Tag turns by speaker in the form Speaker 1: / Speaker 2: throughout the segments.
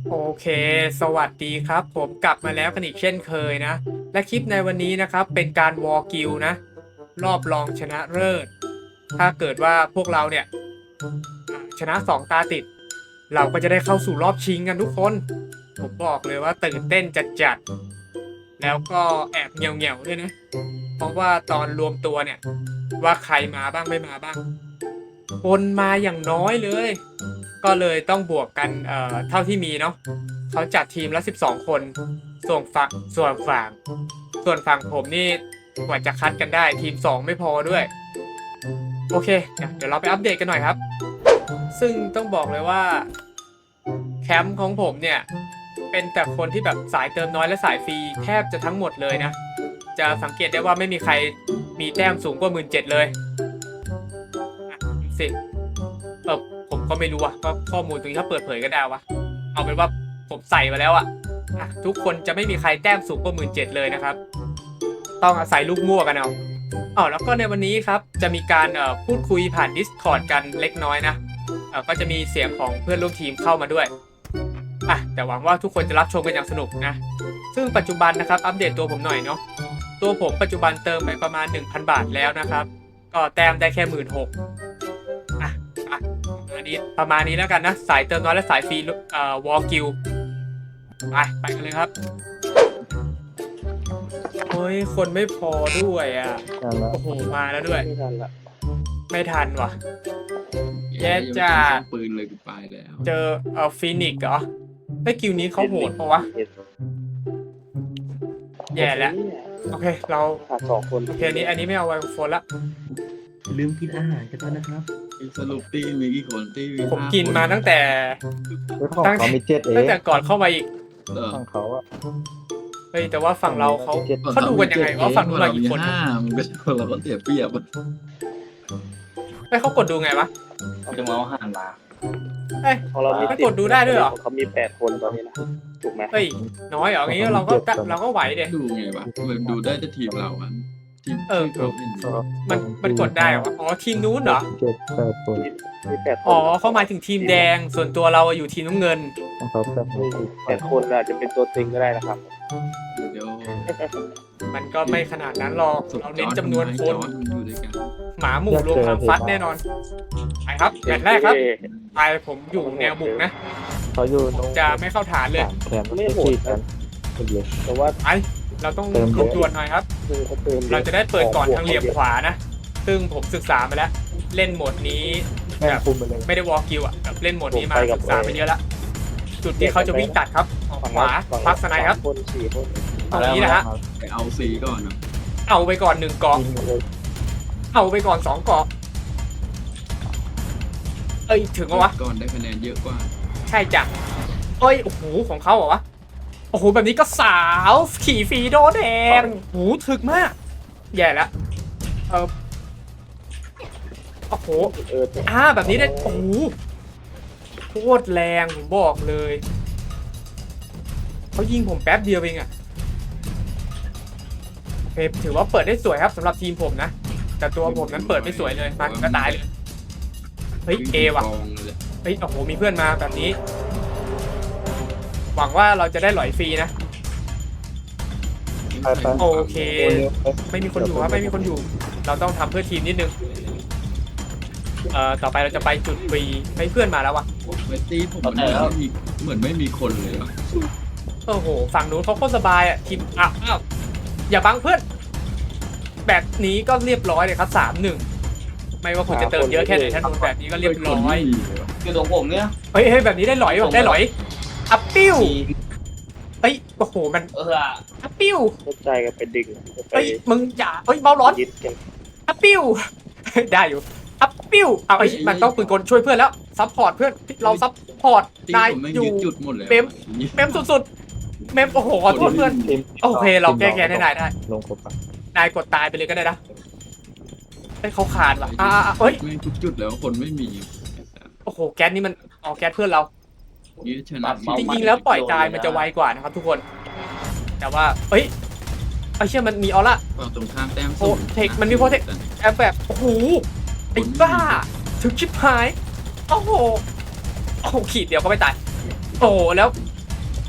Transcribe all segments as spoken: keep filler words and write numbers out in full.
Speaker 1: โอเค สวัสดีครับ ผมกลับมาแล้วกันอีกเช่นเคยนะ และคลิปในวันนี้นะครับเป็นการวอลกิลนะ รอบรองชนะเลิศ ถ้าเกิดว่าพวกเราเนี่ยชนะสองตาติด เราก็จะได้เข้าสู่รอบชิงกันทุกคน ผมบอกเลยว่าตื่นเต้นจัดจัด แล้วก็แอบเงียวเงียวด้วยนะ เพราะว่าตอนรวมตัวเนี่ย ว่าใครมาบ้างไม่มาบ้าง คนมาอย่างน้อยเลย ก็เลยต้องบวกกันเอ่อเท่าที่มีเนาะเขาจัดทีมละสิบสองคน ส่วนฝั่งส่วนฝั่งส่วนฝั่งผมนี่กว่าจะคัดกันได้ทีมสองไม่พอด้วย โอเค เดี๋ยวเราไปอัปเดตกันหน่อยครับ ซึ่งต้องบอกเลยว่าแคมป์ของผมเนี่ยเป็นแต่คนที่แบบสายเติมน้อยและสายฟรีแทบจะทั้งหมดเลยนะ จะสังเกตได้ว่าไม่มีใครมีแต้มสูงกว่าหมื่นเจ็ดเลยสิเออผมก็ไม่รู้ว่ะว่าข้อมูลตรงนี้ถ้าเปิดเผยก็ได้วะเอาเป็นว่าผมใส่มาแล้วอะอ่ะทุกคนจะไม่มีใครแต้มสูงกว่าหมื่นเจ็ดเลยนะครับต้องอาศัยลูกมั่วกันเอาอ๋อแล้วก็ในวันนี้ครับจะมีการเอ่อพูดคุยผ่าน Discord กันเล็กน้อยนะเอ่อก็จะมีเสียงของเพื่อนร่วมทีมเข้ามาด้วยอ่ะแต่หวังว่าทุกคนจะรับชมกันอย่างสนุกนะซึ่งปัจจุบันนะครับอัปเดตตัวผมหน่อยเนาะตัวผมปัจจุบันเติมไปประมาณ หนึ่งพัน บาทแล้วนะครับก็แต้มได้แค่ หนึ่งหมื่นหกพัน อ่ะอ่ะประมาณนี้ประมาณนี้แล้วกันนะสายเติมน้อยและสายฟรีเอ่อวอลกิลไปไปกันเลยครับเฮ้ยคนไม่พอด้วยอ่ะโอ้โหมาแล้วด้วยไม่ทันละไม่ทันว่ะแย่จ้า
Speaker 2: ปืนเลยกูไปแล้ว
Speaker 1: เจอเอ่อฟีนิกซ์เหรอไอ้กิวนี้เขาโหดปะวะแย่แล้วโอเคเราขาดสองคนโอเคนี้อันนี้ไม่เอาไวโฟนละ
Speaker 3: ลืมกินอาหารกันด้วยนะครับ
Speaker 2: สรุปตีมีกี่คนตีมี
Speaker 1: ผมกินมาตั้งแต่
Speaker 4: ตั้งเขามีเจ็ดเอง
Speaker 1: ตั้งแต่ก่อนเข้ามาอีก
Speaker 4: ฝั่งเขาอะ
Speaker 1: เฮ้ยแต่ว่าฝั่งเราเขาเขาดูกันยังไงว่าฝั่งเราอีกคน
Speaker 2: ห้ามันก็เราก็เสียเปรียบ
Speaker 1: ไอ้เขากดดูไงวะ
Speaker 3: เขาจะมาเอาอาหารมา
Speaker 1: เอ้ยเรากดดูได้ด้วยเหรอ
Speaker 4: เขามีแปดคนตอนนี้นะถูกไหม
Speaker 1: เฮ้ยน้อยเหรองี้เราก็เราก็ไหวเด็
Speaker 2: ดูไงวะมันดูได้แต่ทีมเราอ่ะทีม
Speaker 1: เออมันมันกดได้เหรออ๋อทีมนู้นเหรอ
Speaker 4: เจ็ดแปดคน
Speaker 1: มีแปดอ๋อเขาหมายถึงทีมแดงส่วนตัวเราอยู่ทีมน้ำเงิน
Speaker 4: เขาแปดแปดคนอาจจะเป็นตัวจริงก็ได้นะครับ
Speaker 2: เดี๋ยว
Speaker 1: มันก็ไม่ขนาดนั้นหรอกเราเน้นจำนวนคนหมาหมู่รวมความฟัดแน่นอนไปครับแมตช์แรกครับไปผมอยู่แนวบุกนะ
Speaker 4: เขาอยู่
Speaker 1: จะไม่เข้าฐานเลย
Speaker 4: ไม่โหดกันแต่ว่า
Speaker 1: ไอเราต้องลงด่วนหน่อยครับเราจะได้เปิดก่อนทางเหลี่ยมขวานะซึ่งผมศึกษามาแล้วเล่นโหมดนี้แบบไม่ได้วอลกิลอ่ะแบบเล่นโหมดนี้มาศึกษาไปเยอะแล้วจุดที่เขาจะวิ่งตัดครับออกขวาพักสไนครับตรงนี้นะฮะ
Speaker 2: ไปเอาสีก่อนนะ
Speaker 1: เอาไปก่อนหนึ่งเกาะเอาไปก่อนสองเกาะเอ้ยถึงวะ
Speaker 2: ก่อนได้คะแนนเยอะกว่า
Speaker 1: ใช่จ้ะเอ้ยโอ้โหของเขาเหรอวะโอ้โหแบบนี้ก็สาวขี่ฟรีโดแดงโอ้โหถึกมากแย่แล้วเออโอ้โหอ่าแบบนี้ได้โอ้โหโคตรแรงผมบอกเลยเขายิงผมแป๊บเดียวเองอะโอเคถือว่าเปิดได้สวยครับสำหรับทีมผมนะแต่ตัวผมนั้นเปิดไม่สวยเลยมันก็ตายเลยเฮ้ยเอว่ะเฮ้ยโอ้โหมีเพื่อนมาแบบนี้หวังว่าเราจะได้หลอยฟรีนะโอเคไม่มีคนอยู่ครับไม่มีคนอยู่เราต้องทำเพื่อทีมนิดนึงเอ่อต่อไปเราจะไปจุดฟรีให้เพื่อนมาแล้ววะ
Speaker 2: เวทีผมเหมือนไม่มีคนเลยว่ะ
Speaker 1: โอ้โหฝั่งนู้นเขาโคตรสบายอ่ะทีมอ้าวอ้าวอย่าบังเพื่อนแบบนี้ก็เรียบร้อยเลยครับสามหนึ่งไม่ว่าคุณจะเติมเยอะแค่ไหนถ้าโดนแบบนี้ก็เรียบร้อย
Speaker 3: คือตรงผมเนี่ย
Speaker 1: เฮ้ยเฮ้ยแบบนี้ได้หลอยได้หลอยอัพปิ้วเฮ้ยโอ้โหมัน
Speaker 3: เออ
Speaker 1: อัพปิ้ว
Speaker 4: ใจกันไปดึง
Speaker 1: เฮ้ยมึงอย่าเฮ้ยเบาร้อนอัพปิ้วได้อยู่อัพปิ้วเอาไอ้มันต้องปืนกลช่วยเพื่อนแล้วซัพพอร์ตเพื่อนเราซัพพอร์ตนายอยู่เมมเมมสุดๆเมมโอ้โหขอโทษเพื่อนโอเคเราแก้แค้นให้นายได้
Speaker 4: ลงครบ
Speaker 1: นายกดตายไปเลยก็ได้นะให้เขาขาดว่ะอ่าเฮ้ย
Speaker 2: ไม่ทุกจุดแล้วคนไม่มี
Speaker 1: โอ้โหแก๊สนี่มันอ๋อแก๊สเพื่อนเราจริงๆแล้วปล่อยตายมันจะไวกว่านะครับทุกคนแต่ว่าเฮ้ยไอ้เชี่ยมันมีออร่า
Speaker 2: ตรงข้ามแต้ม
Speaker 1: โอ้เทคมันมีโปรเทคแอบแบบโอ้โหไอ้บ้าถึงชิบหายโอ้โหโอ้โหขีดเดียวก็ไม่ตายโอ้แล้ว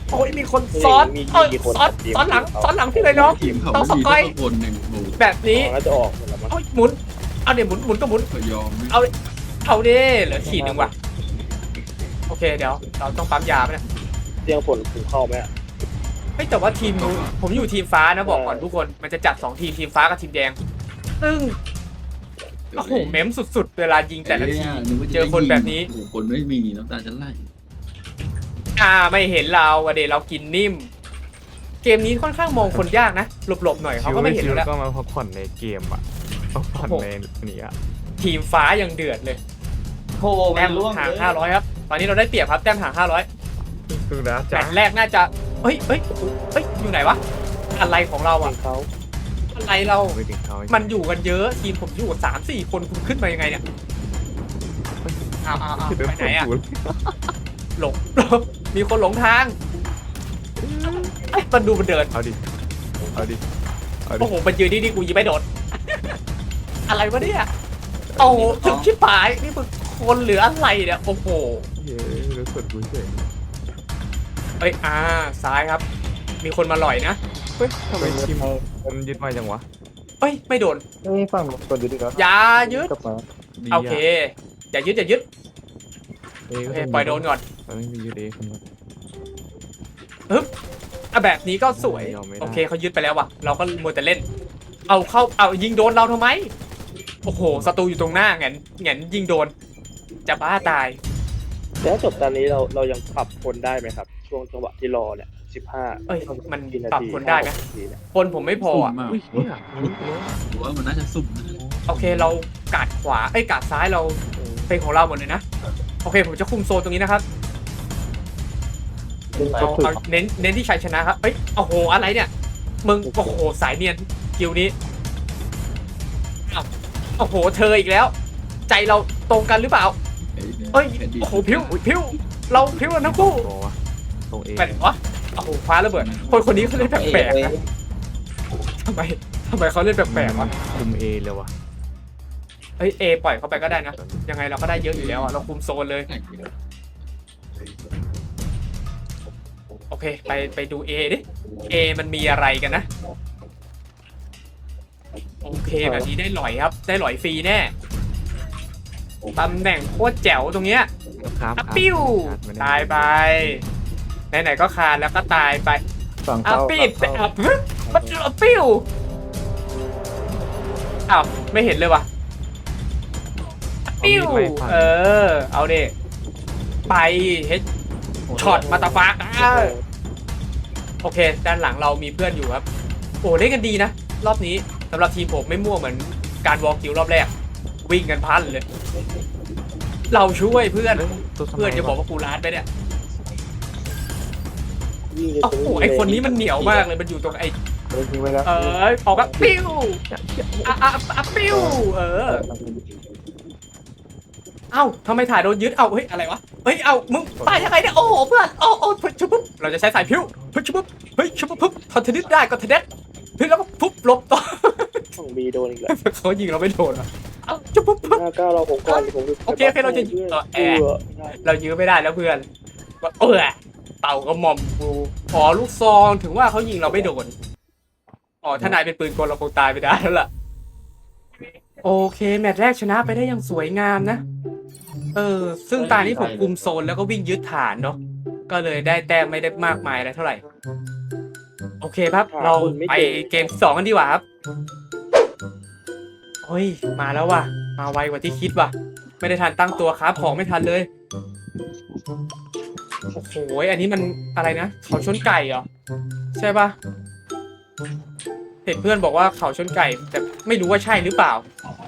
Speaker 1: โอ้ยมีคนซ้อน
Speaker 4: มี
Speaker 1: เอ้ย
Speaker 4: มีคน
Speaker 1: ซ้อน
Speaker 4: ทีม
Speaker 1: ซ้อนหลัง
Speaker 4: เขา
Speaker 1: ซ้อนหลังพี่เลยน้อง
Speaker 2: ทีมเขา
Speaker 1: ต้อง
Speaker 2: ไม่มี
Speaker 1: สกอย
Speaker 2: สักคนหนึ่งโอ้โห
Speaker 1: แบบนี้
Speaker 4: อ๋อแล้วจะออกหมดแล้วมั้ง
Speaker 1: เอ้ยหมุนเอาเดี๋ยวหมุนหมุนก็หมุน
Speaker 2: ก็ยอมไหม
Speaker 1: เอาเอาดิเหลือขีดหนึ่งว่ะโอเคเดี๋ยวเราต้องปั๊มยาไหมเนี่ย
Speaker 4: เตียงฝนผมเข้าไหมอะ
Speaker 1: เฮ้ยแต่ว่าทีมนู้นผมอยู่ทีมฟ้านะบอกก่อนทุกคนมันจะจัดสองทีมทีมฟ้ากับทีมแดงซึ่งโอ้โหเม้มสุดๆเวลายิงแต่ละที
Speaker 2: อ้ยนึกว่าจะ
Speaker 1: เจอคนแบบนี้
Speaker 2: โอ้โหคนไม่มีน้ำตาจะไหล
Speaker 1: อ่าไม่เห็นเราอะเดเรากินนิ่ม เกมนี้ค่อนข้างมองคนยากนะหลบๆหน่อยเขาก็ไม่เห็น
Speaker 5: ชิว
Speaker 1: แล้ว
Speaker 5: ก็มาพักผ่อนในเกมอ่ะพักผ่อน
Speaker 1: โอ้โห
Speaker 5: ในนี้อ่ะ
Speaker 1: ทีมฟ้ายังเดือดเลย
Speaker 3: โอ้โห
Speaker 1: แต้
Speaker 3: มัน
Speaker 1: ม
Speaker 3: ล่วง
Speaker 1: ห่าง
Speaker 3: เลย
Speaker 1: ห้าร้อยครับตอนนี้เราได้เปรียบครับแต้มห่างห้าร้อย
Speaker 5: ดูนะ
Speaker 1: แม
Speaker 5: จ๊ะ
Speaker 1: ตช์แรกน่าจะเฮ้ยเฮ้ยโอ้โหเฮ้ยอยู่ไหนวะอะไรของเรา
Speaker 4: ที
Speaker 1: อะ
Speaker 4: มเขา
Speaker 1: อะไรเรา
Speaker 5: ไม่ถึงเขา
Speaker 1: มันอยู่กันเยอะทีมผมอยู่สามสี่คนคุณขึ้นมายังไงเนี่ยเอาเอาเอาไปไหนอะหลง มีคนหลงทางไอ้ยมันดูมันเดิน
Speaker 5: เอาดิเอาดิเอาดิ
Speaker 1: โอ้โหมันยืนนี่นี่กูยิงไม่โดน อะไรวะเนี่ยโอ้โหถึงชิบหายนี่มึงคนหรืออะไรเนี่ยโอ้โห
Speaker 5: เย้รู้สึกกูเฉย
Speaker 1: เอ้ยอ่าซ้ายครับ มีคนมาหล่อยนะ
Speaker 5: เฮ้ยทำไมทีมมันยึดมาจังวะ
Speaker 1: เอ้ยไม่โดน
Speaker 4: เอ้ยฝั่งคนอยู่ดีครับ
Speaker 1: อย่ายึด
Speaker 4: กลับมา
Speaker 5: ดี
Speaker 1: โอเคอย่ายึดอย่ายึด
Speaker 5: เอ้ย
Speaker 1: โอเคปล่อยโดนก่อน
Speaker 5: มันไม่มียึดเองคนละ
Speaker 1: อ่ะแบบนี้ก็สวย
Speaker 5: ยอมไม่ได้
Speaker 1: โอเคเขายึดไปแล้วว่ะ เราก็มัวแต่เล่น เอาเข้า เอายิงโดนเราทำไม โอ้โห ศัตรูอยู่ตรงหน้าแงนแงนยิงโดน จะบ้าตาย
Speaker 4: แต่ถ้าจบตอนนี้เราเรายังปรับคนได้ไหมครับ ช่วงจังหวะที่รอเนี่ยสิบห้า
Speaker 1: เอ้ย มัน
Speaker 4: กี่นา
Speaker 1: ปรับ
Speaker 4: ที
Speaker 1: คนได้ไหม
Speaker 4: ห้านาทีเนี่ย
Speaker 1: คนผมไม่พอ
Speaker 2: สุ่ม
Speaker 1: อ่ะ
Speaker 2: มาก
Speaker 5: อุ้ยเนี่ย
Speaker 2: หรือว่ามันน่าจะสุ่มนะ
Speaker 1: โอเค เรากาดขวา เอ้ย กาดซ้ายเราเป็นของเราหมดเลยนะ โอเค ผมจะคุมโซนตรงนี้นะครับ เอาเอาเน้น เน้นที่ชัยชนะครับ เอ้ย โอ้โห อะไรเนี่ย มึง โอ้โห สายเนียน กิวนี้อ้าวโอ้โห เธออีกแล้ว ใจเราตรงกันหรือเปล่า เอ้ย
Speaker 2: แผ่นดิน
Speaker 1: โอ้โห พิ้ว พิ้ว เราพิ้วกันทั้งคู่
Speaker 5: ตัววะตรงเอ
Speaker 1: แปลกวะโอ้โหคว้าระเบิด คนคนนี้เขาเล่นแปลกๆนะทำไมทำไมเขาเล่นแปลกๆวะ
Speaker 5: คุมเอเลยวะ
Speaker 1: เอ้ย เอปล่อยเขาไปก็ได้นะ ยังไงเราก็ได้เยอะอยู่แล้วอ่ะ เราคุมโซนเลย
Speaker 2: แข่งอยู่แล้ว
Speaker 1: โอเค ไปไปดู A ดิ A มันมีอะไรกันนะ โอเคแบบนี้ได้หลอยครับ ได้หลอยฟรีแน่ตำแหน่งโคตรแจ๋วตรงเนี้ย
Speaker 5: ครับ
Speaker 1: อะปิ้ว ตายไป ไหนๆก็คานแล้วก็ตายไป
Speaker 4: ฝั่ง
Speaker 1: อ่ะ
Speaker 4: เข้า
Speaker 1: ปิด
Speaker 4: ฝั่งเข้า
Speaker 1: อ่ะปึ๊บมันอ่ะปิ้วอ้าวไม่เห็นเลยว่ะปิ้วเออ เอาเด็ไปเฮดช็อตมาตาฟักอ่ะโอเค ด้านหลังเรามีเพื่อนอยู่ครับ โอ้เล่นกันดีนะ รอบนี้สำหรับทีมผมไม่มั่วเหมือนการวอลคิวรอบแรก วิ่งกันพันเลย เราช่วยเพื่อน
Speaker 5: ตัวสมัย
Speaker 1: เพื่อนจะบอกว่ากูร้านไปเนี่ย
Speaker 4: วิ่งเลย
Speaker 1: โอ้โหไอคนนี้มันเหนียวมากเลยมันอยู่ตรงไอ
Speaker 4: ยิงไปแล้ว
Speaker 1: เออออกแบบปิ้วอ่ะอ่ะอ่ะปิ้วเออ เอ้าทำไมถ่ายโดนยึด เอ้าเฮ้ยอะไรวะ เฮ้ย เอ้ามึงตายยังไงเนี่ย โอ้โหเพื่อน โอ้โอ้พึ่ชุบปุ๊บเราจะใช้สายพิ้วพึ่ชุบปุ๊บเฮ้ยชุบปุ๊บปุ๊บทอนเทนนิสได้ก็เทนนิสเฮ้ยแล้วก็ปุ๊บหลบต่อ
Speaker 4: ฝั่งบีโดนอีกแล้ว
Speaker 1: เขายิงเราไม่โดนอ่ะเอ้าชุบปุ๊บปุ๊บ
Speaker 4: หน้าก้าวเราผมก่อนผม
Speaker 1: โอเคโอเคเราจะยิงต่อแอร์ เรายื้อไม่ได้แล้วเพื่อนว่าเออเต่ากระหม่อมกูอ๋อลูกซองถึงว่าเขายิงเราไม่โดนอ๋อถ้านายเป็นปืนกลเราคงตายไปได้แล้วล่ะโอเคแมตช์แรกชนะไปได้อย่างสวยงามนะเออซึ่งตานี้ผมคุมโซนแล้วก็วิ่งยึดฐานเนาะก็เลยได้แต้มไม่ได้มากมายอะไรเท่าไหร่โอเคครับ เราไปเกมสองกันดีกว่าครับเฮ้ยมาแล้วว่ะมาไวกว่าที่คิดว่ะไม่ได้ทันตั้งตัวครับของไม่ทันเลยโอ้โหอันนี้มันอะไรนะเขาชนไก่เหรอใช่ปะเห็นเพื่อนบอกว่าเขาชนไก่แต่ไม่รู้ว่าใช่หรือเปล่า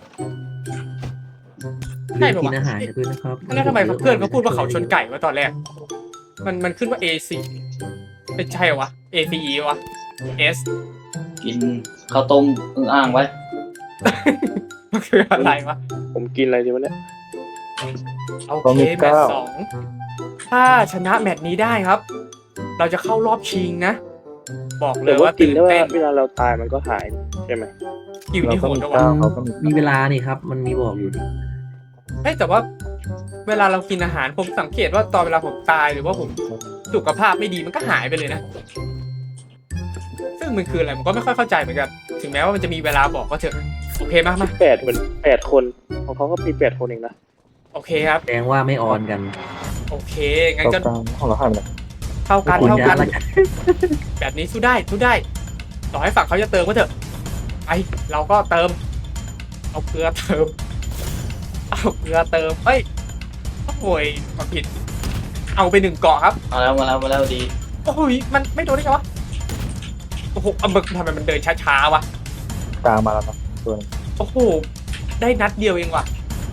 Speaker 1: ใช่ปะ
Speaker 3: กิ
Speaker 1: วะ
Speaker 3: นอาหารกันด้วยนะครับ
Speaker 1: แล้วทำไมเพื่อนเขาพูดว่าเขาชนไก่มาตอนแรก มันมันขึ้นว่า เอ ซี ไม่ใช่เหรอวะ เอ ซี อี วะ S
Speaker 3: กินข้าวต้มอึ่งอ่างไว้
Speaker 1: มันคืออะไรวะ
Speaker 4: ผมกินอะไรดีวะเนี่ย
Speaker 1: โอเคแมตช์สองถ้าชนะแมตช์นี้ได้ครับ เราจะเข้ารอบชิงนะ บอกเล
Speaker 4: แต่
Speaker 1: ย
Speaker 4: ว่า
Speaker 1: ว่า
Speaker 4: กิน
Speaker 1: ตื่น
Speaker 4: ได้ว่า
Speaker 1: เต้น
Speaker 4: เวลาเราตายมันก็หายใช่ไหม
Speaker 1: อยู่ที่โหดด้วยวะ
Speaker 3: มีเวลานี่ครับ มันมีบอกอยู่
Speaker 1: เฮ้ยแต่ว่าเวลาเรากินอาหารผมสังเกตว่าตอนเวลาผมตายหรือว่าผมสุขภาพไม่ดีมันก็หายไปเลยนะ ซึ่งมันคืออะไรผมก็ไม่ค่อยเข้าใจเหมือนกัน ถึงแม้ว่ามันจะมีเวลาบอกก็เถอะโอเคมากมา
Speaker 4: แปดเหมือนแปดคนของเขาก็มีแปดคนเองนะ
Speaker 1: โอเคครับ
Speaker 6: แสดงว่าไม่ออนกัน
Speaker 1: โอเคงั้นก็
Speaker 4: ของเราห้ามเลย
Speaker 1: เท่ากัน
Speaker 6: คุณ
Speaker 1: เท่า
Speaker 6: จะ
Speaker 1: กัน
Speaker 6: ละกัน
Speaker 1: แบบนี้สู้ได้สู้ได้ ต่อให้ฝั่งเขาจะเติมก็เถอะไอเราก็เติม เอาเกลือเติม เอาเกลือเติมเฮ้ยโอ้ยมาผิด เอาไปหนึ่งเกาะครับ
Speaker 3: มาแล้วมาแล้วมาแล้วดี
Speaker 1: โอ้ยมันไม่โดนได้ไงวะโอ้โหเอามึกทำไมมันเดินช้าๆวะ
Speaker 4: กลางมาแล้วนะตัวนึง
Speaker 1: โอ้โหได้นัดเดียวเองว่ะ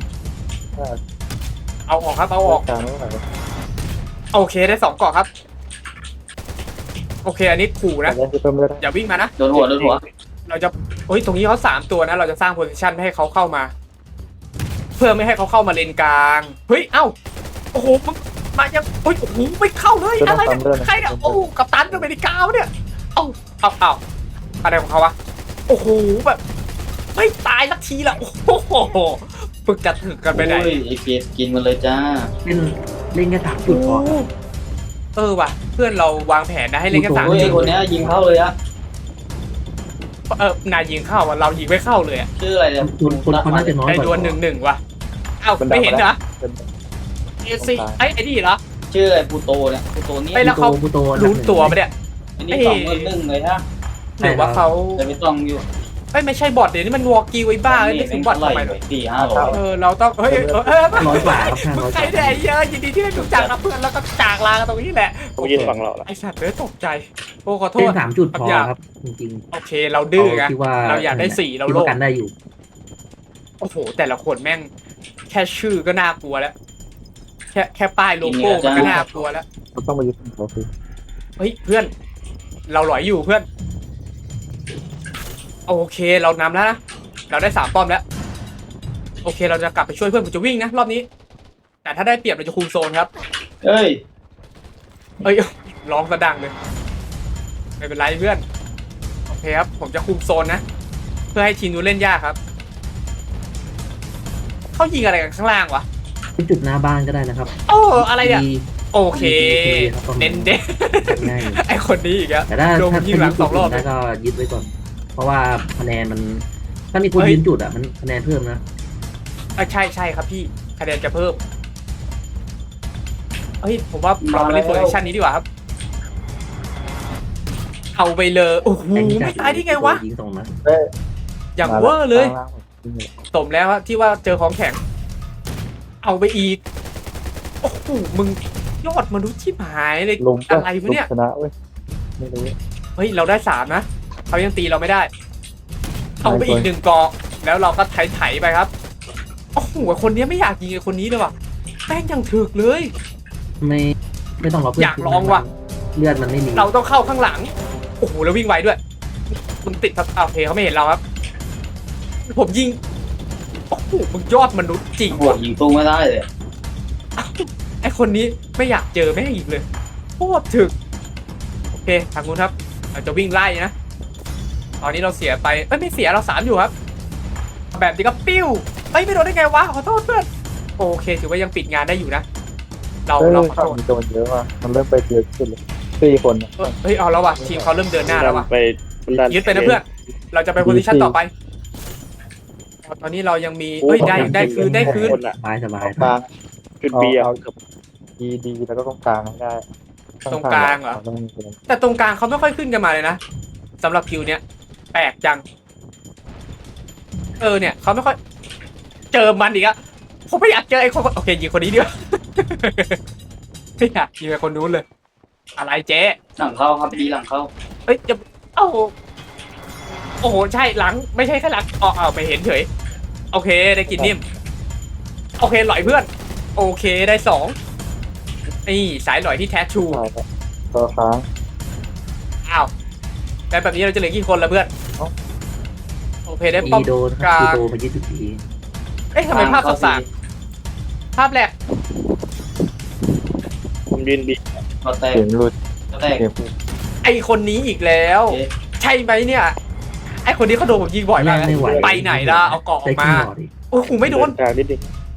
Speaker 1: เอาออกครับเอาออก
Speaker 4: กลางไม่ไหว
Speaker 1: โอเคได้สองเกาะครับ โอเคอันนี้ขู่นะ
Speaker 4: แล้วจะเพิ่มเลือด
Speaker 1: อย่าวิ่งมานะ
Speaker 3: โดนหัวโดนหัว
Speaker 1: เราจะโอ้ยตรงนี้เขาสามตัวนะ เราจะสร้างโพซิชันไม่ให้เขาเข้ามา เพื่อไม่ให้เขาเข้ามาเลนกลาง เฮ้ย เอ้า โอ้โหมึงมายังเฮ้ย โอ้โห ไม่เข้าเลย อะไรเนี่ยใครเนี่ย โอ้กัปตันอเมริกาวะเนี่ย เอ้า เอ้าเอ้าอะไรของเขาวะ โอ้โห แบบ ไม่ตายสักทีละโอ้โหฝึกจะถึกกันไปไหน
Speaker 3: โอ้ยไอเกดกินมันเลยจ้า
Speaker 6: เล่นเล่นแค่สามจุดพอ
Speaker 1: เออว่ะ เพื่อนเราวางแผนนะให้เล่นแค่สาม
Speaker 3: โอ้ย
Speaker 1: จุ
Speaker 3: ไอ
Speaker 1: ด
Speaker 3: คนเนี้ยยิงเข้าเลยอะ
Speaker 1: เออนายยิงเข้าอ่ะ เรายิงไม่เข้าเลยอ่ะ
Speaker 3: ชื่ออะไรเนี่ย
Speaker 6: คนคนเขาน่าจะน้อย
Speaker 1: ไอ้
Speaker 6: กว่า
Speaker 1: ดวลหนึ่งหนึ่งว่ะ เอ้าไม่เห็นเหรอเอซีไอ้ไอ้นี่เหรอ
Speaker 3: ชื่ออะไรปูโตเนี่ยปูโตเนี่ย
Speaker 1: ไอ้แล้วเขา
Speaker 6: ผู้โต
Speaker 1: รู้ตัวปะเนี่ย
Speaker 3: อันนี้สองเงินหนึ่งเลยฮะ
Speaker 1: หรือว่าเขา
Speaker 3: แต่ไม่ต้องอยู่
Speaker 1: เอ้ยไม่ใช่บอทเดี๋ยวนี้มันวอลกิวไอ้บ้าเอ้ยไม่ถึงบอททำไม
Speaker 3: เล
Speaker 1: เลย ย
Speaker 3: สี่ห้าร้อย
Speaker 1: เออเราต้องเฮ้ยเออเออ
Speaker 6: ร้อยกว่าครับห้า
Speaker 1: มึง
Speaker 6: ร้อยก
Speaker 1: ใคร
Speaker 6: ว่า
Speaker 1: เนี่ยไอ้เยอะยินดีที่ได้รู้จักนะเพื่อนแล้วก็จากลากันตรงนี้แหละ
Speaker 4: ผมยืนฝั่งเราละ
Speaker 1: ไอสัตว์เลยตกใจโอ้ขอโท
Speaker 6: เล่
Speaker 1: ษ
Speaker 6: นสามจุดพอครับ จริง
Speaker 1: โอเคเรา
Speaker 6: ๆ
Speaker 1: ดื้อไง
Speaker 6: คิดว่า
Speaker 1: เราอยากได้สี่เรา
Speaker 6: คิด
Speaker 1: โล
Speaker 6: ว่า
Speaker 1: ภ
Speaker 6: กันได้อยู่
Speaker 1: โอ้โหแต่ละคนแม่งแค่ชื่อก็น่ากลัวแล้ว แค่แค่ป้ายโลโก้มันก็น่ากลัวแล้ว
Speaker 4: เราต้องมายืนฝั่งเขาสิ
Speaker 1: เฮ้ยเพื่อน เราหลอยอยู่เพื่อน โอเคเรานำแล้วนะเราได้สามป้อมแล้ว โอเคเราจะกลับไปช่วยเพื่อนผมจะวิ่งนะรอบนี้ แต่ถ้าได้เปรียบเราจะคุมโซนครับ
Speaker 3: เอ้ย
Speaker 1: เอ้ยร้องกระดังเลยไม่เป็นไรเพื่อนโอเคครับผมจะคุมโซนนะ เพื่อให้ทีมนู้นเล่นยากครับเขายิงอะไรกันข้างล่างวะ
Speaker 6: เป็นจุดหน้าบ้านก็ได้นะครับ
Speaker 1: โอ้อะไรเนี่ย
Speaker 6: มี
Speaker 1: โอเค
Speaker 6: ครับ
Speaker 1: เน้นเด้น
Speaker 6: ง่าย
Speaker 1: ไอคนนี้อีกแล้ว
Speaker 6: แต่ถ้า
Speaker 1: โดน
Speaker 6: ถ้า
Speaker 1: ยิงหลังสองรอบ
Speaker 6: ได้ก็ยึดไว้ก่อน เพราะว่าคะแนนมัน ถ้ามีคนยืนจุดอ่ะมันคะแนนเพิ่มนะ
Speaker 1: อ่ะใช่ใช่ครับพี่คะแนนจะเพิ่มเฮ้ยผมว่าเรามาเล่นโพซิชันนี้ดีกว่าครับ เอาไปเลยโอ้โห
Speaker 6: แต่นี่
Speaker 1: ไม่ตายได้ไงวะ
Speaker 6: ยิงตรงนะ
Speaker 1: อย่างเวอร์เลยสมแล้วที่ว่าเจอของแข็ง เอาไปอีก โอ้โหมึงยอดมนุษย์ที่หายเลย
Speaker 4: ลง
Speaker 1: อะไรวะเนี่ย
Speaker 4: ชนะเว้ยไม่รู้
Speaker 1: เฮ้ยเราได้สามนะเขายังตีเราไม่ได้ เอาไปอีกหนึ่งกองแล้วเราก็ไถๆไปครับโอ้โหคนนี้ไม่อยากยิงไอ้คนนี้เลยว่ะแป้งยังถึกเลย
Speaker 6: ไม่ไม่ต้องรอเพื่อน
Speaker 1: อยากลองว่ะ
Speaker 6: เลือดมันไม่มี
Speaker 1: เราต้องเข้าข้างหลังโอ้โหแล้ววิ่งไวด้วยมึงติดทับโอเคเขาไม่เห็นเราครับ ผมยิงโอ้โหมึงยอดมนุษย์จริง
Speaker 3: หัว
Speaker 1: ว่ะ
Speaker 3: ยิงตู้ไม่ได้เลย
Speaker 1: ไอคนนี้ไม่อยากเจอแม่งอีกเลยโคตรถึกโอเคทางนู้นครับเราจะวิ่งไล่นะตอนนี้เราเสียไปเอ้ยไม่เสียเราสามอยู่ครับ แบบนี้ก็ปิ้วเอ้ยไม่โดนได้ไงวะขอโทษเพื่อนโอเคถือว่ายังปิดงานได้อยู่นะ เรา
Speaker 4: เฮ้ย
Speaker 1: เราขอ
Speaker 4: ฝั่ง
Speaker 1: โทษ
Speaker 4: มีโดนเยอะว่ะมันเริ่มไปเยอะขึ้นเลยสี่คน
Speaker 1: เอ้ยเฮ้ยเอาแล้วว่ะทีมเขาเริ่มเดินหน้าแล้วว่ะ
Speaker 4: ไป
Speaker 1: ยึดไปนะเพื่อนเราจะไปโพซิชั่นต่อไป ตอนนี้เรายังมีเอ้ยได้ได้คืนได้คืน
Speaker 4: คนอะ
Speaker 6: สบายสบาย
Speaker 4: กลางจุดเบียร์ดีดีแล้วก็ตรงกลางให้ได้
Speaker 1: ตรงกลางเหรอ
Speaker 4: ต้องมีคน
Speaker 1: แต่ตรงกลางเขาไม่ค่อยขึ้นกันมาเลยนะสำหรับคิวเนี้ยแปลกจัง เออเนี่ยเขาไม่ค่อย เจอมันอีกอะผมไม่อยากเจอไอ้คนโอเคยิงคนนี้ดีกว่า ไม่อยากยิงไอ้คนนู้นเลย อะไรเจ๊
Speaker 3: หลังเข้าครับดีหลังเข้า
Speaker 1: เอ้ยจะเอ้าโอ้โหใช่หลังไม่ใช่แค่หลังอ๋อเอาไปเห็นเฉยโอเคได้กินนิ่มโอเคหลอยเพื่อน โอเคได้สองนี่สายหลอยที่แท้ทรู
Speaker 4: ใช่ครับตัวค้าง
Speaker 1: อ้าวแล้วแบบนี้เราจะเหลือกี่คนละเพื่อนโอเคได้ป้อม
Speaker 6: อีโดนค
Speaker 1: ก
Speaker 6: รับ
Speaker 1: ลาง
Speaker 6: อีโดมายึดทุกที
Speaker 1: เอ๊ะทำไมภาพสากภาพแรก
Speaker 4: ผมยืนบี
Speaker 3: ก็แตก
Speaker 4: เสียงรุด
Speaker 3: ก็แตก
Speaker 4: เสียง
Speaker 1: ไอคนนี้อีกแล้ว
Speaker 3: โอเค
Speaker 1: ใช่ไหมเนี่ย ไอคนนี้เขาโดนผมยิงบ่อยมาก
Speaker 6: ไม่ไหว
Speaker 1: ไปไหนล่ะเอาเกาะออ
Speaker 6: ได้
Speaker 1: กมา
Speaker 6: ขึ้นหลอดอีก
Speaker 1: โอ้โหไม่โดน
Speaker 4: กลางนิดนึง
Speaker 1: โ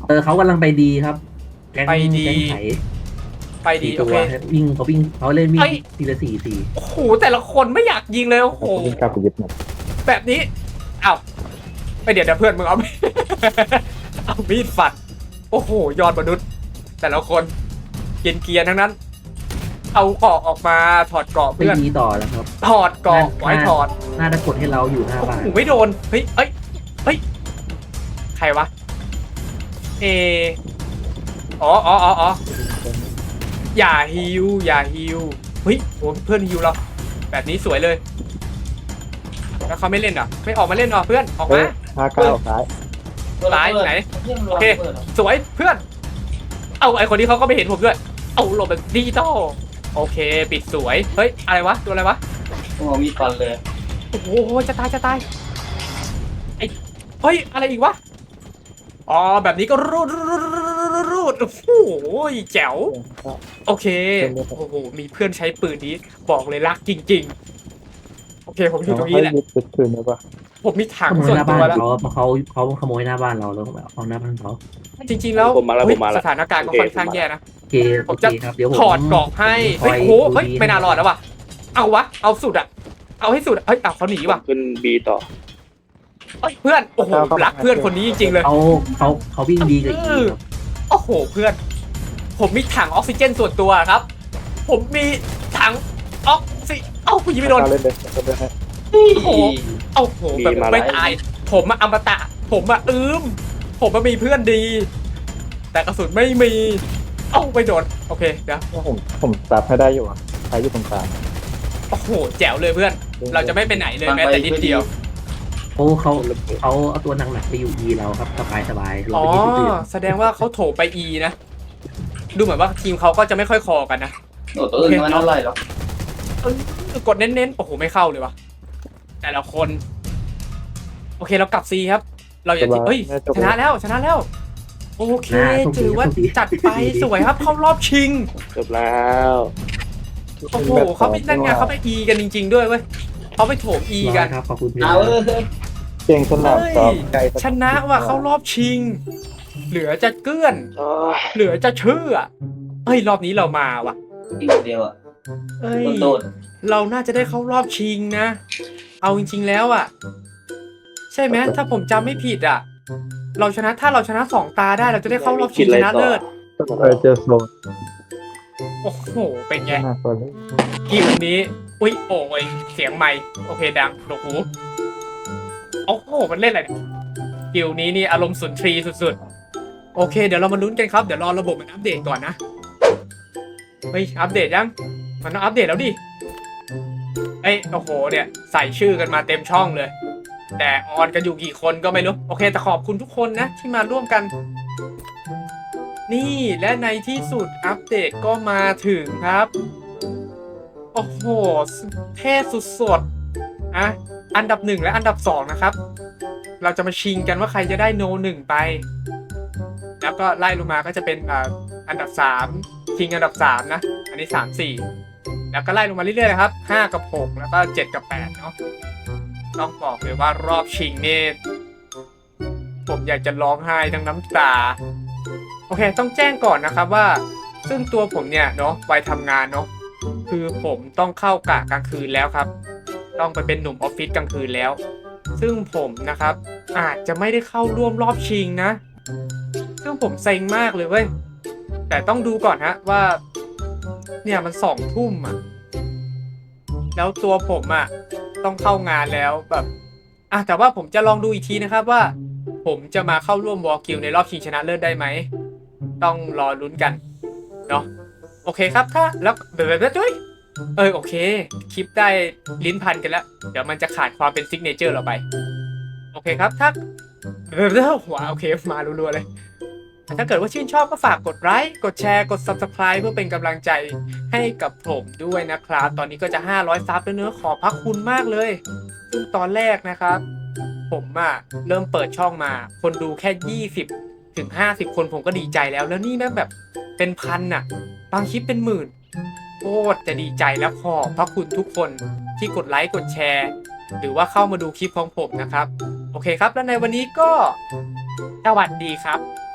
Speaker 6: เออเขากำลังไปดีครับแก๊ง
Speaker 1: ไปดี
Speaker 6: แก๊งไถ
Speaker 1: ไปดี
Speaker 6: สี่
Speaker 1: โอ
Speaker 6: ตัว
Speaker 1: เค
Speaker 6: วิ่งเขาวิ่งเขาเล่นวิ่ง
Speaker 1: เอ้ย
Speaker 6: ทีละสี่สี่
Speaker 1: โอ้โหแต่ละคนไม่อยากยิงเลยโอ้โห
Speaker 7: วิ่งกลับไปยึดหมด
Speaker 1: แบบนี้เอ้าไปเดี๋ยวเดี๋ยวเพื่อนมึงเอา เอามีดฟันโอ้โหยอดมนุษย์ แต่ละคนเกรียนเกียร์ทั้งนั้น เอาเกราะออกมาถอดเกราะ
Speaker 6: ไม่
Speaker 1: เพื่อน
Speaker 6: ดีต่อแล้วครับ
Speaker 1: ถอดเกราะไว้ถอด
Speaker 6: น่าจะกดให้เราอยู่หน้า
Speaker 1: โอ้
Speaker 6: บ้าน
Speaker 1: โหไม่โดนเฮ้ยเอ้ยเฮ้ยใครวะเออ๋ออ๋ออ๋ออ๋ออย่าฮิวอย่าฮิวเฮ้ยโหเพื่อนฮิวเราแบบนี้สวยเลย แล้วเขาไม่เล่นเหรอไม่ออกมาเล่นเหรอเพื่อนออก
Speaker 7: เฮ้
Speaker 1: มา
Speaker 7: ยห้าเก้าซ้าย
Speaker 1: ซ้ายไหน
Speaker 3: เรื่องร
Speaker 1: โอ
Speaker 3: วม
Speaker 1: เค
Speaker 3: เปิดเหรอ
Speaker 1: สวยเพื่อน เอาไอคนนี้เขาก็ไม่เห็นผมด้วย เอาหลบแบบดิจิตอลโอเค ปิดสวย เฮ้ย อะไรวะ ตัวอะไรวะ
Speaker 3: โอ้โหมีดฟันเลย
Speaker 1: โอ้โห จะตาย จะตาย ไอเฮ้ย อะไรอีกวะ อ๋อ แบบนี้ก็รูดรูดรูดรูดโอ้โหแจ๋ว โอเค โอ้โห มีเพื่อนใช้ปืนนี้ บอกเลยรักจริงๆ โอเค ผมอยู่ตรงนี้แหละ
Speaker 7: ยึดยึดคืนได้ปะ
Speaker 1: ผมมีถัง
Speaker 6: ขโมย
Speaker 1: ส่ว
Speaker 6: ห
Speaker 1: น
Speaker 6: น้า
Speaker 1: ตั
Speaker 6: บ้า
Speaker 1: วน แล้ว
Speaker 6: เขาเพราะเขาเขาขโมยหน้าบ้านเราแล้วก็แบบเอาหน้าบ้านเขา
Speaker 1: จริงๆ แล้ว
Speaker 4: ผมมาแล้ว
Speaker 1: เฮ้
Speaker 4: ผ
Speaker 1: ย
Speaker 4: มมาแล้ว
Speaker 1: สถานการณ์ก็ค่อนข้างแย่นะ
Speaker 6: โอเค
Speaker 1: ผ
Speaker 6: โอ
Speaker 1: ม
Speaker 6: เค
Speaker 1: จะ
Speaker 6: ครับเดี๋ยวผม
Speaker 1: ถอดเกราะให้
Speaker 6: ผม
Speaker 1: เฮ้ย
Speaker 6: ค
Speaker 1: โอ้โหเฮ้ย
Speaker 6: ดูดี
Speaker 1: ไม่น่ารอดแล้ววะเอาวะ เอาสุดอะเอาให้สุดอะเฮ้ยเอาเขาหนีว่ะ
Speaker 4: ขึ้นบีต่อ
Speaker 1: เฮ้ยเพื่อน โอ้โห รักเพื่อนคนนี้จริงๆเลย
Speaker 6: เขาเขาเขาวิ่งดีกับอีครับ
Speaker 1: โอ้โห เพื่อน ผมมีถังออกซิเจนส่วนตัวครับ ผมมีถังออกซิเอ้าคุณยิงไม่โดน
Speaker 7: เล่นเลยเล่นเลยให้
Speaker 1: โอ้โหโอ้โห แบบ
Speaker 4: มีมา
Speaker 1: ไม่
Speaker 4: หลาย
Speaker 1: ตาย ผมอะอมตะ ผมอะอืมผมมามีเพื่อนดี แต่กระสุนไม่มี เอ้าไม่โดน โอเค เดี๋ยว
Speaker 7: ว่าผมผมจับให้ได้อยู่อ่ะใครอยู่ตรงกลาง
Speaker 1: โอ้โห แจ๋วเลยเพื่อน เราจะไม่ไปไหนเลยแม้แต่นิดเดียว
Speaker 6: เขาเขาเขาเอาตัวหนักๆไปอยู่ดีเราครับสบายสบายเรา
Speaker 1: อ๋อ
Speaker 6: ไปที่อื่น
Speaker 1: แสดงว่าเขาโถไป E นะ ดูเหมือนว่าทีมเขาก็จะไม่ค่อยคอกันนะ
Speaker 3: โอ้ตัวอื่นมันเท่าไหร่หรอก
Speaker 1: เออกดเน้นๆ โอ้โห ไม่เข้าเลยวะแต่ละคน โอเคเรากลับ C ครับ เราอย่าเฮ้ย ชนะแล้วชนะแล้ว โอเคถือว่าจัดไปสวยครับ เข้ารอบชิง
Speaker 4: จบแล้ว
Speaker 1: โอ้โหเขาไปนั่นไงเขาไป E กันจริง ๆ ด้วยเว้ยเขาไปโถม E กัน
Speaker 6: ครับขอบคุณพี่
Speaker 3: เอาเออ
Speaker 7: เก่งสนามซ้อมไกล
Speaker 1: ชนะว่ะเข้ารอบชิง เหลือจะเกื้อน
Speaker 4: โอ้ย
Speaker 1: เหลือจะเชื่อเฮ้ยรอบนี้เรามาว่ะ
Speaker 3: อีกเดียวอ่ะ
Speaker 1: เอ้ย
Speaker 3: โดน
Speaker 1: เราน่าจะได้เข้ารอบชิงนะ เอาจริงๆแล้วอ่ะ ใช่ไหมถ้าผมจำไม่ผิดอ่ะ เราชนะถ้าเราชนะสองตาได้เราจะได้เข้ารอบชิงชนะเลิศ
Speaker 7: เออเจอโซน
Speaker 1: โอ้โหเป็นไง
Speaker 7: หน้าโซน
Speaker 1: กิวนี้ อุ้ยโอ้ยเสียงใหม่โอเคดังโดกหูโอ้โหมันเล่นอะไรเนี่ยกิวนี้นี่อารมณ์สุนทรีสุดๆโอเคเดี๋ยวเรามาลุ้นกันครับเดี๋ยวรอระบบมันอัปเดตก่อนนะเฮ้ยอัปเดตยังมันต้องอัปเดตแล้วดิเอ้ยโอ้โหเนี่ยใส่ชื่อกันมาเต็มช่องเลย แต่ออนกันอยู่กี่คนก็ไม่รู้โอเคแต่ขอบคุณทุกคนนะที่มาร่วมกัน นี่และในที่สุดอัปเดตก็มาถึงครับโอ้โหเท่สุดๆอ่ะอันดับหนึ่งและอันดับสองนะครับเราจะมาชิงกันว่าใครจะได้โนหนึ่งไปแล้วก็ไล่ลงมาก็จะเป็นอ่าอันดับสามชิงอันดับสามนะอันนี้สามสี่แล้วก็ไล่ลงมาเรื่อยๆนะครับห้ากับหกแล้วก็เจ็ดกับแปดเนาะต้องบอกเลยว่ารอบชิงนี่ผมอยากจะร้องไห้ทั้งน้ำตาโอเคต้องแจ้งก่อนนะครับว่าซึ่งตัวผมเนี่ยเนาะวัยทำงานเนาะคือผมต้องเข้ากะกลางคืนแล้วครับต้องไปเป็นหนุ่มออฟฟิศกลางคืนแล้วซึ่งผมนะครับอาจจะไม่ได้เข้าร่วมรอบชิงนะซึ่งผมเซ็งมากเลยเว้ยแต่ต้องดูก่อนฮะว่าเนี่ยมันสองทุ่มอ่ะแล้วตัวผมอ่ะต้องเข้างานแล้วแบบอ่ะแต่ว่าผมจะลองดูอีกทีนะครับว่าผมจะมาเข้าร่วมวอลกิลในรอบชิงชนะเลิศได้ไหมต้องรอลุ้นกันเนาะโอเคครับถ้าแล้วเดี๋ยวๆด้วยเออโอเคคลิปได้ลิ้นพันกันแล้วเดี๋ยวมันจะขาดความเป็นซิกเนเจอร์เราไปโอเคครับถ้าเดี๋ยวๆหัวโอเคมารัวๆเลยถ้าเกิดว่าชื่นชอบก็ฝากกดไลค์กดแชร์กด ซับสไครบ์ เพื่อเป็นกำลังใจให้กับผมด้วยนะครับตอนนี้ก็จะห้าร้อยซับแล้วเนอะขอบพระคุณมากเลยซึ่งตอนแรกนะครับผมอะเริ่มเปิดช่องมาคนดูแค่ยี่สิบถึงห้าสิบคนผมก็ดีใจแล้วแล้วนี่แม่งแบบเป็นพันน่ะบางคลิปเป็นหมื่นโคตรจะดีใจและขอบพระคุณทุกคนที่กดไลค์กดแชร์หรือว่าเข้ามาดูคลิปของผมนะครับโอเคครับแล้วในวันนี้ก็สวัสดีครับ